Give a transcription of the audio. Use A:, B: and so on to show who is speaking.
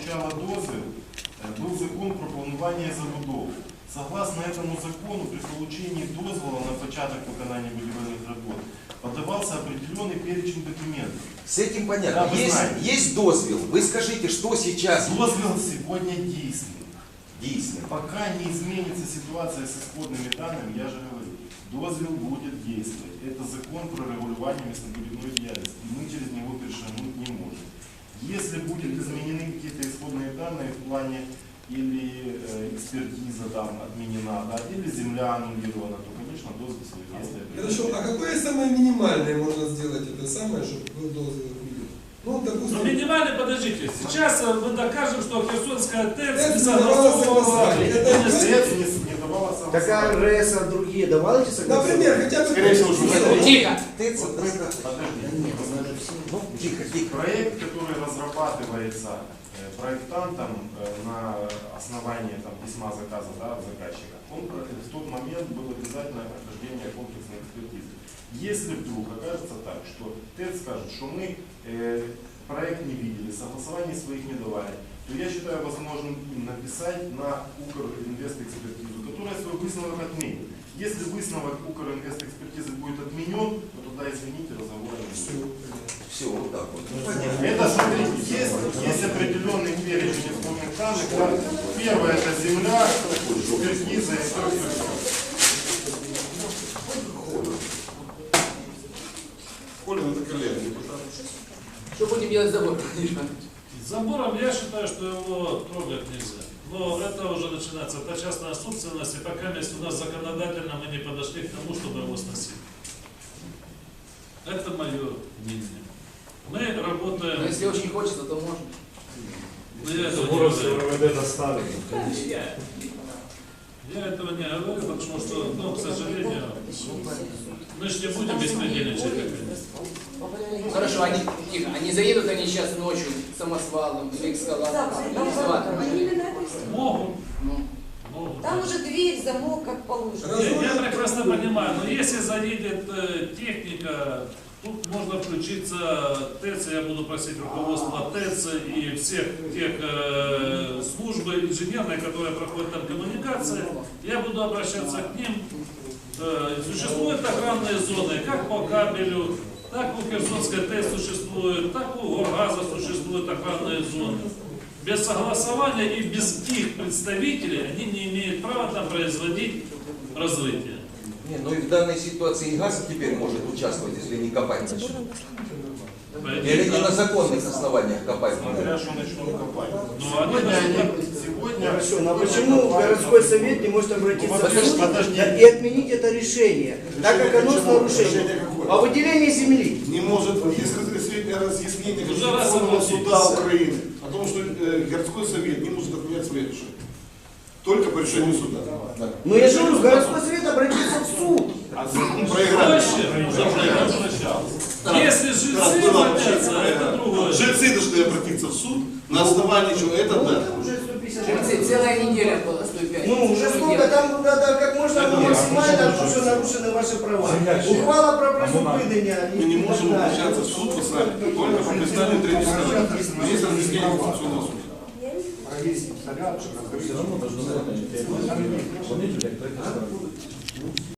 A: получала дозвіл, був закон про планування забудов. Согласно этому закону, при получении дозвола на початок виконання будівельних работ подавался определенный перечень документов.
B: С этим понятно.
A: Да, вы знаете.
B: Есть дозвел. Вы скажите, что сейчас
A: Дозвел сегодня действует.
B: действует?
A: Пока не изменится ситуация с исходными данными, я же говорю, дозвел будет действовать. Это закон про регулирование местобудивной деятельности. И мы через него перешагнуть не можем. Если будут изменены какие-то исходные данные в плане или экспертиза там отменена, да, или земля аннулирована, то, конечно, дозвел свои действия.
C: Хорошо, а какое самое минимальное можно сделать это самое, чтобы был дозвел? Ну, допустим,
D: Ну, минимально, подождите, сейчас мы докажем, что Херсонская ТЭЦ
C: ТЭЦ
D: не
C: не давала согласования.
A: ТЭЦ не давала
E: Так
A: согласования.
E: РС, а другие давали эти согласования?
C: например, хотя бы...
A: Скорее всего, что
F: Тихо.
B: ТЭЦ,
A: Подожди.
B: ну, тихо, тихо.
A: Проект, который разрабатывается проектантом на основании там, письма заказа, да, от заказчика, он в тот момент был обязательное прохождение комплексной экспертизы. Если вдруг окажется так, что ТЭЦ скажет, что мы проект не видели, согласований своих не давали, то я считаю возможным написать на Укринвест-экспертизу, которая свой высновок отменит. Если высновок Укринвест-экспертизы будет отменен, то тогда, извините, разговора не будет.
B: Все, вот так вот.
A: Это, смотрите, есть определенный перечень исходных данных. Да. Первое — это земля, экспертиза и все.
G: Холин это коллега, депутат.
F: Что будем делать с забором?
D: С забором я считаю, что его трогать нельзя. Но это уже начинается та частная собственность, и пока у нас законодательно мы не подошли к тому, чтобы его сносить. Это мое мнение. Мы работаем...
F: Но если очень хочется, то можно.
D: Но я этого не
H: Забором
D: говорю.
H: РВД доставили.
D: Я этого не говорю, потому что, ну, к сожалению, мы же не будем беспредельничать.
F: Хорошо, тихо, они заедут они сейчас ночью самосвалом или экскаватором, или экскаватором.
D: Могут.
F: Ну,
D: Могут.
I: Там уже дверь, замок, как положено.
D: Я прекрасно понимаю, но если заедет техника, тут можно включиться ТЭЦ, я буду просить руководство ТЭЦ и всех тех служб инженерной, которые проходят там коммуникации, я буду обращаться к ним. Существуют охранные зоны, как по кабелю, так у Херсонской ТЭЦ существует, так у Горгаза существуют охранные зоны. Без согласования и без их представителей они не имеют права там производить разрытие.
B: Не, ну и в данной ситуации и газ теперь может участвовать, если не копать начнут. Или не на законных основаниях копать.
A: Смотря что начнут копать.
D: Ну, они
A: Сегодня
E: Хорошо, но почему городской совет не может обратиться в суд
A: Подожди.
E: и отменить это решение, так как оно с нарушением? О выделении земли.
G: Не может есть разъяснение
D: Уже раз
G: Конституционного
D: обратились.
G: суда Украины о том, что городской совет не может отменять свои решения. Только по решению суда. Да.
E: Но я же говорю, городской совет обратится в суд.
G: А проиграли.
D: уже обращался. Если жильцы обратятся, это другое.
G: Жильцы должны обратиться в суд на основании чего это да.
E: Уже 150.
F: жильцы, целая неделя была, 105.
E: Ну, уже сколько там надо как можно максимально, потому что нарушены ваши права. Ухвала про призупинення.
G: Мы не можем обращаться в суд по сами, только по представлению третьей стороны. Есть разъяснение Конституционного суда.
H: Все равно должны быть. Вони, блядь,